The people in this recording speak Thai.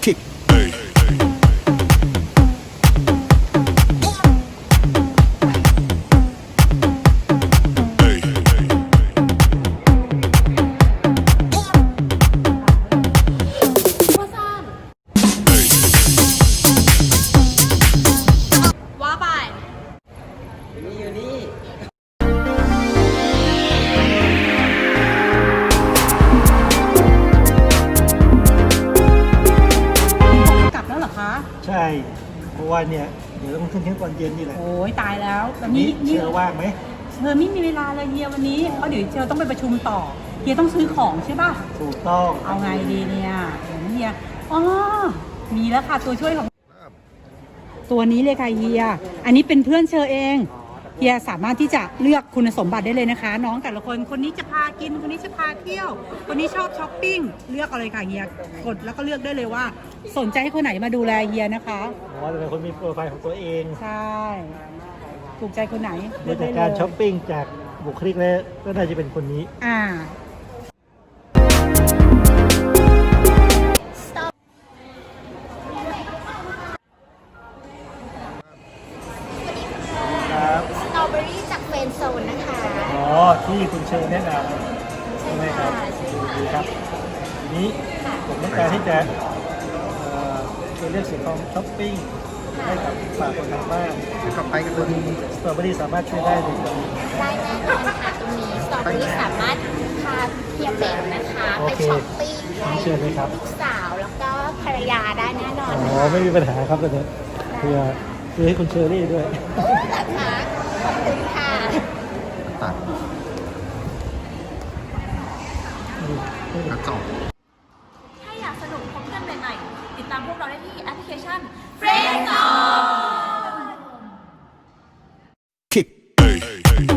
kick. ว่าไปอยู่นี่กลับแล้วเหรอคะใช่ เพราะว่าเนี่ยเดี๋ยวต้องขึ้นเครื่องตอนเย็นนี่แหละโอ้ยตายแล้วแต่นี่นี่เชื่อว่างไหมเธอไม่มีเวลาเลยเฮียวันนี้เพราะเดี๋ยวเธอต้องไปประชุมต่อเฮียต้องซื้อของใช่ป่ะถูกต้องเอาไงดีเนี่ยเดี๋ยวนะเฮียอ๋อมีแล้วค่ะตัวช่วยของตัวนี้เลยค่ะเฮียอันนี้เป็นเพื่อนเชอเองเฮียสามารถที่จะเลือกคุณสมบัติได้เลยนะคะ น้องแต่ละคนคนนี้จะพากินคนนี้จะพาเที่ยว คนนี้ชอบช้อปปิ้งเลือกเอาเลยค่ะเฮียกดแล้วก็เลือกได้เลยว่า สนใจให้คนไหนมาดูแลเฮียนะคะอ๋อแต่เป็นคนมีโปรไฟล์ของตัวเองใช่ถูกใจคนไหนโดยจากการช้อปปิ้งจากบุคลิกแล้วก็น่าจะเป็นคนนี้อ่าครับสตรอเบอรี่จากเฟรนด์โซนนะคะอ๋อที่คุณเชิญแนะนำใช่ไหมครับดีครับทีนี้ผมต้องการที่จะช่วยเลือกสินค้าช้อปปิ้งให้กับฝากคนทางบ้านกับไปกันเลยสตรอเบอรี่สามารถช่วยได้เลยครับได้แน่นอนค่ะตรงนี้สตรอเบอรี่สามารถพาเฮียเบนนะคะโอไปเคช้อปปิ้งให้เชิญเลยครับลูกสาวแล้วก็ภรรยาได้แน่นอนอ๋นะอคะไม่มีปัญหาครับตอนนี้เพื่อให้คุณเชอรี่ด้วยนะคะขอบคุณค่ะถ้าอยากสนุกพบกันใหม่ๆ ติดตามพวกเราได้ที่แอปพลิเคชัน Friendzone Kick.